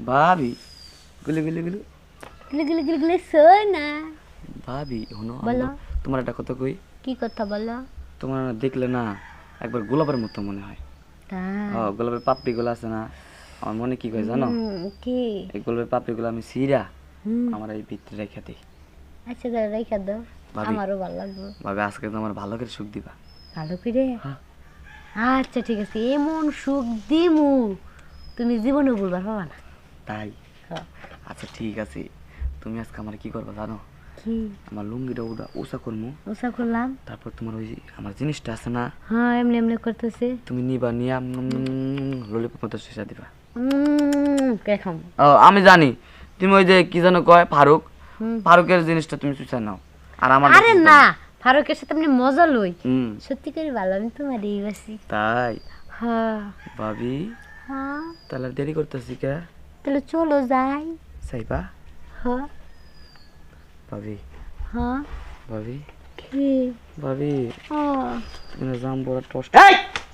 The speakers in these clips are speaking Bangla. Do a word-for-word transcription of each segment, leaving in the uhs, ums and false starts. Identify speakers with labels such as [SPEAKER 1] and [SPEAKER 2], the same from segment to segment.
[SPEAKER 1] ভাবি গুলি গুলি গুলি
[SPEAKER 2] গিলে গিলে গিলে গিলে সোনা
[SPEAKER 1] ভাবি হনো
[SPEAKER 2] বলো।
[SPEAKER 1] তোমার একটা কথা কই,
[SPEAKER 2] কি কথা বলো?
[SPEAKER 1] তোমার দেখলে না একবার গোলাপের মতো মনে হয়।
[SPEAKER 2] তাই?
[SPEAKER 1] ও গোলাপের পাপড়ি গুলো আছে না, আমার মনে কি কয় জানো,
[SPEAKER 2] হুম, কি?
[SPEAKER 1] এই গোলাপের পাপড়ি গুলো আমি সিরা
[SPEAKER 2] হুম,
[SPEAKER 1] আমার এই ভিতরে রেখে দিই।
[SPEAKER 2] আচ্ছা দাঁড়া রেখে দাও,
[SPEAKER 1] ভাবি।
[SPEAKER 2] আমারও ভালো লাগবে।
[SPEAKER 1] ভাবি আজকে তো আমার ভালো করে সুখ দিবা।
[SPEAKER 2] ভালো করে?
[SPEAKER 1] হ্যাঁ।
[SPEAKER 2] আচ্ছা ঠিক আছে, এমন সুখ দিমু তুমি জীবনে বলবার পাবা না।
[SPEAKER 1] তাই?
[SPEAKER 2] হ্যাঁ।
[SPEAKER 1] আচ্ছা ঠিক আছে, তুমি আজকে আমার কি করবা জানো,
[SPEAKER 2] কি?
[SPEAKER 1] আমার লুঙ্গিটা ওটা ওষা করবো,
[SPEAKER 2] ওসা করলাম?
[SPEAKER 1] তারপর তোমার ওই আমার জিনিসটা আছে না,
[SPEAKER 2] হ্যাঁ এমনি এমনি করতেছে।
[SPEAKER 1] তুমি নিবা নিয়ে ললিপপ মতো শেষা দিবা।
[SPEAKER 2] উম, কে খাম?
[SPEAKER 1] ও আমি জানি, তুমি ওই যে কি যেন কয় ফারুক,
[SPEAKER 2] হুম।
[SPEAKER 1] ফারুকের জিনিসটা তুমি চুষা নাও আর আমার
[SPEAKER 2] আরে না, ফারুকের সাথে আপনি মজা লই।
[SPEAKER 1] হুম
[SPEAKER 2] সত্যি করে ভালো, আমি তোমার এই বাসি।
[SPEAKER 1] তাই?
[SPEAKER 2] হ্যাঁ
[SPEAKER 1] ভাবি
[SPEAKER 2] হ্যাঁ,
[SPEAKER 1] তাহলে আর দেরি করতেছি কে,
[SPEAKER 2] তাহলে চলো যাই।
[SPEAKER 1] সাইবা
[SPEAKER 2] হ্যাঁ
[SPEAKER 1] ভাবি
[SPEAKER 2] হ্যাঁ।
[SPEAKER 1] ভাবি
[SPEAKER 2] কি?
[SPEAKER 1] ভাবি
[SPEAKER 2] ও
[SPEAKER 1] তুমি জাম বড় টস্ট।
[SPEAKER 3] এই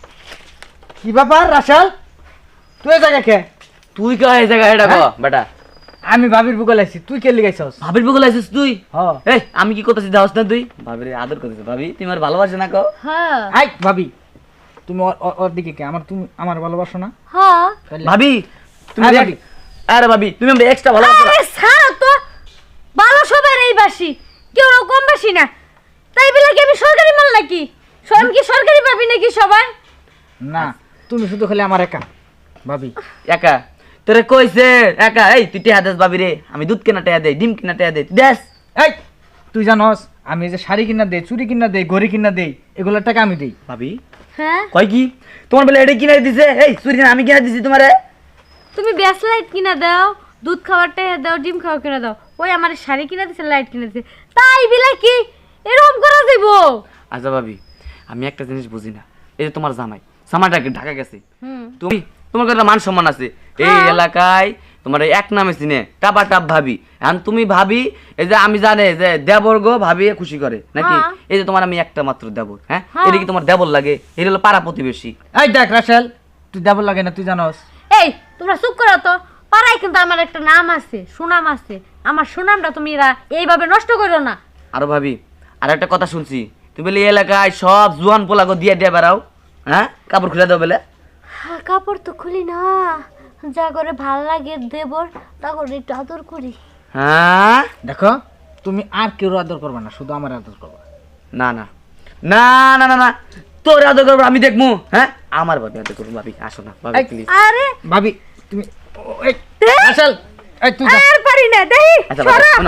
[SPEAKER 3] কি ব্যাপার রাশাল, তুই এই জায়গা কে?
[SPEAKER 1] তুই কা এই জায়গা এটা গো বেটা,
[SPEAKER 3] আমি ভাবির বুকে লাইছি, তুই কে লিগাইছস?
[SPEAKER 1] ভাবির বুকে লাইছিস তুই?
[SPEAKER 3] হ
[SPEAKER 1] এই আমি কি করতেছি দাওস না তুই? ভাবিরে আদর করতেছিস, ভাবি তুমি আর ভালোবাসে না কো?
[SPEAKER 2] হ্যাঁ
[SPEAKER 3] আই ভাবি, তুমি ওর- ওর- ওর দিকে কে? আমার তুমি আমার ভালোবাসো না?
[SPEAKER 2] হ্যাঁ।
[SPEAKER 3] তাহলে-
[SPEAKER 1] ভাবি তুমি
[SPEAKER 3] আরে
[SPEAKER 1] দেখ-
[SPEAKER 3] ভাবি।
[SPEAKER 1] আরে ভাবি তুমি আমরা এক্সট্রা ভালোবাসো না?
[SPEAKER 2] আরে ছাড়ো তো, ভালো সবাই এই বাসি, কেউ না কম বাসি না। তাই বলে কি আমি সরকারি মাল নাকি? আমি কি সরকারি পাবি নাকি সবাই?
[SPEAKER 3] না, তুমি শুধু খালি আমার একা ভাবি।
[SPEAKER 1] একা তোরে কইছে একা, এই তুই টেহা দেস ভাবি রে, আমি দুধ কেনা টেহা দেই, ডিম কেনা টেহা দেই, তুই দেস?
[SPEAKER 3] এই তুই জানস আমি যে শাড়ি কিনা দেই, চুড়ি কিনা দেই, ঘড়ি কিনা দেই, এগুলোর টাকা আমি দেই।
[SPEAKER 1] ভাবি
[SPEAKER 2] হ্যাঁ,
[SPEAKER 1] কয় কি তোমার বেলা এটা কিনা দিছে, এই চুরি না আমি কিনা দিছি তোমারে?
[SPEAKER 2] তুমি ব্যাস লাইট কিনা দাও, দুধ খাওয়ার টাকা দাও, ডিম খাওয়া কিনা দাও। ওই আমার শাড়ি কিনা দিছে, লাইট কিনা দিছে, তাই বিলা কি এরকম করা দিব?
[SPEAKER 1] আচ্ছা ভাবি আমি একটা জিনিস বুঝি না, এই যে তোমার জামাই জামাইটা কি ঢাকা গেছে,
[SPEAKER 2] হুম,
[SPEAKER 1] তুমি তোমার কাছে মান সম্মান আছে এই
[SPEAKER 2] হ্যাঁ।
[SPEAKER 1] এলাকায়, তোমার এই এক নামে চিনে টাপা টাপ ভাবি, এখন তুমি ভাবি এই যে আমি জানে যে দেবর্গ ভাবি খুশি করে নাকি,
[SPEAKER 2] হ্যাঁ।
[SPEAKER 1] এই যে তোমার আমি একটা মাত্র দেবর, হ্যাঁ
[SPEAKER 2] হ্যাঁ।
[SPEAKER 1] এটা কি তোমার দেবর লাগে? এটা হলো পাড়া প্রতিবেশী।
[SPEAKER 3] এই দেখ রাশাল, তুই দেবর লাগে না, তুই জানস?
[SPEAKER 2] এই তোমরা চুপ করো তো, পাড়ায় কিন্তু আমার একটা নাম আছে, সুনাম আছে, আমার সুনামটা তুমি এরা এইভাবে নষ্ট করো না।
[SPEAKER 1] আরো ভাবি আর একটা কথা শুনছি, তুমি বলে এই এলাকায় সব জুয়ান পোলাগো দিয়ে দিয়ে বেড়াও, হ্যাঁ কাপড় খুলে দাও বলে?
[SPEAKER 2] হ্যাঁ, কাপড় তো খুলি না, যা করে ভাল লাগে দেবর তা করে একটু আদর করি।
[SPEAKER 1] হ্যাঁ
[SPEAKER 3] দেখো, তুমি আর কেউ আদর করবে না, শুধু আমার আদর করবে।
[SPEAKER 1] না না না না না না তোর আদর করবো আমি দেখবো, হ্যাঁ আমার ভাবি আদর করবো, ভাবি আসো না ভাবি
[SPEAKER 3] এই,
[SPEAKER 1] প্লিজ।
[SPEAKER 2] আরে
[SPEAKER 3] ভাবি তুমি ও- এই রাশাল, এই তুই যা।
[SPEAKER 2] আর পারি না, দেখি
[SPEAKER 1] আচ্ছা ভাবি, শোনো।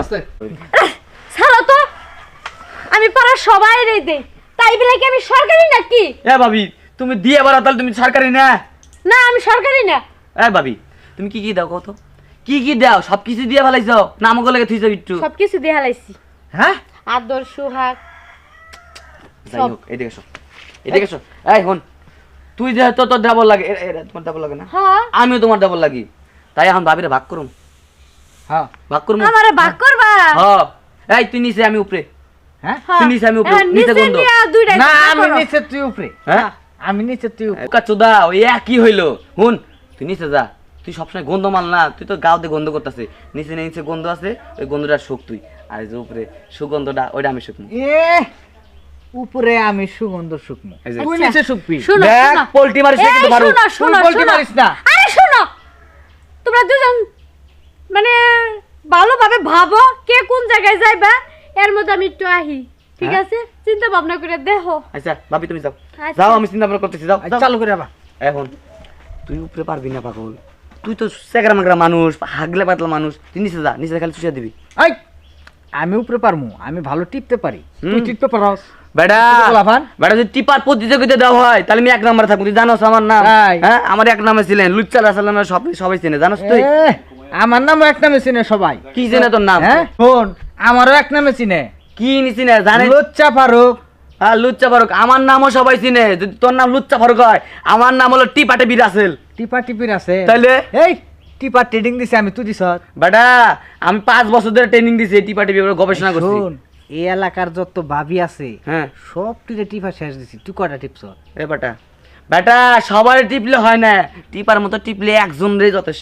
[SPEAKER 2] ছাড়ো তো, আমি পাড়ার সবাই রে দেই, তাই বলে কি আমি সরকারি নাকি?
[SPEAKER 1] এ ভাবি তুমি দিয়ে বেড়াও তাহলে তুমি সরকারি না?
[SPEAKER 2] না আমি সরকারি না।
[SPEAKER 1] এ ভাবি তুমি কি কি দাও কত, কি কি দাও? সব কিছু দিয়ে ফেলাইছ না, আমাকে লাগে থুইছ একটু?
[SPEAKER 2] সবকিছু দিয়ে হালাইছি,
[SPEAKER 3] হ্যাঁ
[SPEAKER 2] আদর সুহাগ।
[SPEAKER 1] যাই হোক এদিকে এসো, এদিকে এসো। এই হন, তুই যে তো তোর ডাবল লাগে, এ- এ- তোমার ডাবল লাগে না,
[SPEAKER 2] হ্যাঁ,
[SPEAKER 1] আমিও তোমার ডাবল লাগি, তাই এখন ভাবিরে ভাগ করুম,
[SPEAKER 3] হ্যাঁ
[SPEAKER 1] ভাগ করুম।
[SPEAKER 2] আমারে ভাগ করবা?
[SPEAKER 1] হ্যাঁ এই তুই নিচে আমি উপরে,
[SPEAKER 3] হ্যাঁ
[SPEAKER 2] হ্যাঁ।
[SPEAKER 1] তুই নিচে আমি উপরে,
[SPEAKER 2] হ্যাঁ,
[SPEAKER 1] নিচে
[SPEAKER 2] নিচে
[SPEAKER 1] গন্ধ।
[SPEAKER 2] নিয়া দুইটা
[SPEAKER 3] না,
[SPEAKER 2] ভাগ
[SPEAKER 3] আমি
[SPEAKER 2] করো।
[SPEAKER 3] নিচে তুই উপরে।
[SPEAKER 1] হ্যাঁ
[SPEAKER 3] আমি নিচে তুই উপরে।
[SPEAKER 1] ওকা চোদা ওই কি হইলো, হুন তুই নিচে যা, তুই সবসময় গন্ধ মাল না, তুই তো গাওতে গন্ধ করতেছে, নিচে নিচে গন্ধ আছে, ওই গন্ধটা শুক তুই, আর এই যে উপরে সুগন্ধটা ওইটা আমি শুকনো।
[SPEAKER 3] এ উপরে আমি সুগন্ধ শুকনো,
[SPEAKER 1] এই যে-
[SPEAKER 3] তুই
[SPEAKER 2] আচ্ছা।
[SPEAKER 3] নিচে শুকবি।
[SPEAKER 2] শোনো,
[SPEAKER 1] দেখ
[SPEAKER 2] শোনো।
[SPEAKER 1] পোল্ট্রি মারিস না
[SPEAKER 2] এই,
[SPEAKER 1] কিন্তু ভালো।
[SPEAKER 2] শোনো, শোনো,
[SPEAKER 3] তুই পোল্ট্রি
[SPEAKER 2] শোনো।
[SPEAKER 3] মারিস না।
[SPEAKER 2] আরে শোনো, তোমরা দুজন মানে ভালোভাবে ভাবো কে কোন জায়গায় যাইবা, এর মধ্যে আমি একটু আহি, ঠিক
[SPEAKER 1] হ্যাঁ?
[SPEAKER 2] আছে? চিন্তা ভাবনা করে দেখো।
[SPEAKER 1] আচ্ছা ভাবি তুমি যাও,
[SPEAKER 2] আচ্ছা।
[SPEAKER 1] যাও আমি চিন্তা ভাবনা করতেছি, যাও
[SPEAKER 3] এই
[SPEAKER 1] যাও।
[SPEAKER 3] চালু করে আবার।
[SPEAKER 1] এখন তুই উপরে পারবি না পাগল, তুই তো সেগরা মাগরা মানুষ, হাগলে পাতলা মানুষ, তুই নিচে যা, নিচে খালি চুষিয়ে দিবি।
[SPEAKER 3] এই আমি উপরে পারমু, আমি ভালো টিপতে পারি, তুই
[SPEAKER 1] হুম।
[SPEAKER 3] টিপতে পারস?
[SPEAKER 1] বেটা
[SPEAKER 3] তুই গোলাপান?
[SPEAKER 1] বেটা যদি টিপার প্রতিযোগিতা দেওয়া হয় তাহলে আমি এক নম্বরে থাকবো, তুই জানোস আমার নাম?
[SPEAKER 3] তাই?
[SPEAKER 1] হ্যাঁ আমার এক নামে ছিলেন লুচ্চা রাসালামের, সব সবাই চেনে, জানোস তুই?
[SPEAKER 3] এ, আমার নাম এক নামে চিনে সবাই।
[SPEAKER 1] কি চেনে তোর নাম?
[SPEAKER 3] হ্যাঁ শোন, আমারও এক নামে চিনে,
[SPEAKER 1] কি নিছি না জানে?
[SPEAKER 3] লুচ্চা ফারুক।
[SPEAKER 1] হ্যাঁ লুচ্চা ফারুক, আমার নামও সবাই চিনে, যদি তোর নাম লুচ্চা ফারুক হয়, আমার নাম হলো টিপাটে বিরাসেল।
[SPEAKER 3] টিপা টিপির আছে
[SPEAKER 1] তাইলে?
[SPEAKER 3] এই টিপা ট্রেডিং দিছে আমি, তুই দিছ?
[SPEAKER 1] বেটা আমি পাঁচ বছর ধরে ট্রেনিং দিছি টিপা টিপি গবেষণা করছি।
[SPEAKER 3] শোন, এই এলাকার যত ভাবি আছে
[SPEAKER 1] হ্যাঁ
[SPEAKER 3] সব টিপে টিপা শেষ দিছি, তুই কটা টিপছ?
[SPEAKER 1] এ বেটা বেটা সবার টিপলে হয় না, টিপার মতো টিপলে একজন রে যথেষ্ট।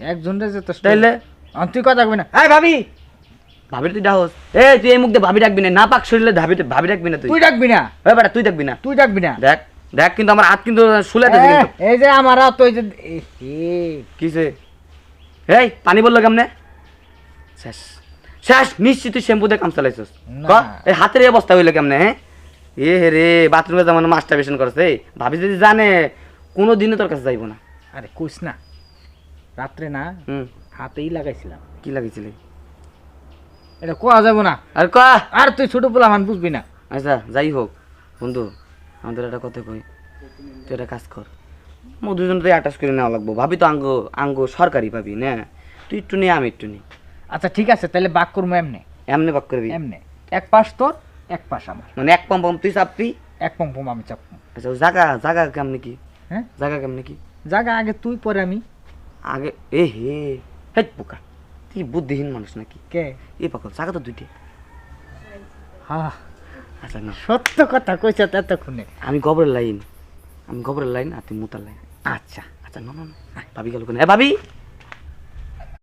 [SPEAKER 3] একজনের যথেষ্ট
[SPEAKER 1] তাইলে
[SPEAKER 3] আহ, তুই কথা কবি না এই ভাবি
[SPEAKER 1] ভাবি তুই ডাকস এ তুই এই মুখ দিয়ে ভাবি ডাকবি না না পাক শরীরে ভাবি ভাবি ডাকবি না তুই
[SPEAKER 3] তুই ডাকবি না
[SPEAKER 1] ওই বেটা তুই ডাকবি না
[SPEAKER 3] তুই ডাকবি না
[SPEAKER 1] দেখ দেখ কিন্তু আমার হাত কিন্তু শুলাতে
[SPEAKER 3] এ,
[SPEAKER 1] কিন্তু
[SPEAKER 3] এই যে আমার হাত ওই যে এ, এ,
[SPEAKER 1] কিসে এই পানি বললো কেমনে শেষ শেষ নিশ্চিত তুই শ্যাম্পু দিয়ে কাম চালাইছিস
[SPEAKER 3] না।
[SPEAKER 1] ক এই হাতের এই অবস্থা হইলো কেমনে হ্যাঁ এ হে রে বাথরুমে যেমন মাস্টারবেশন করছে ভাবি যদি জানে কোনো দিনে তোর কাছে যাইবো না
[SPEAKER 3] আরে কইস না রাত্রে না
[SPEAKER 1] হুম
[SPEAKER 3] হাতেই লাগাইছিলাম
[SPEAKER 1] কি লাগিয়েছিলি
[SPEAKER 3] এটা কোয়া যাবো না
[SPEAKER 1] আর ক
[SPEAKER 3] আর তুই ছোট পোলা মান বুঝবি না
[SPEAKER 1] আচ্ছা যাই হোক বন্ধু আমাদের একটা কথা কই তুই একটা কাজ কর মো দুজন তো অ্যাটাচ করে নেওয়া লাগবো ভাবি তো আঙ্গ আঙ্গ সরকারি ভাবি না তুই একটু নে আমি একটু নি
[SPEAKER 3] আচ্ছা ঠিক আছে তাহলে বাক করবো এমনে
[SPEAKER 1] এমনি বাক করবি
[SPEAKER 3] এমনে এক পাশ তোর এক পাশ আমার
[SPEAKER 1] মানে এক পম পম তুই চাপবি
[SPEAKER 3] এক পম পম আমি চাপবো
[SPEAKER 1] আচ্ছা জাগা জাগা কেমনে কি
[SPEAKER 3] হ্যাঁ
[SPEAKER 1] জাগা কেমনে কি
[SPEAKER 3] জাগা আগে তুই পরে আমি
[SPEAKER 1] আগে এ হে হেট পোকা তুই বুদ্ধিহীন মানুষ নাকি
[SPEAKER 3] কে
[SPEAKER 1] এ পাকল জাগা তো দুইটি
[SPEAKER 3] হ্যাঁ
[SPEAKER 1] আচ্ছা না
[SPEAKER 3] সত্য কথা কইছ এতক্ষণে
[SPEAKER 1] আমি গোবরের লাইন আমি গোবরের লাইন আর তুই মুতার লাইন
[SPEAKER 3] আচ্ছা
[SPEAKER 1] আচ্ছা না না না ভাবি গেল কেন এ ভাবি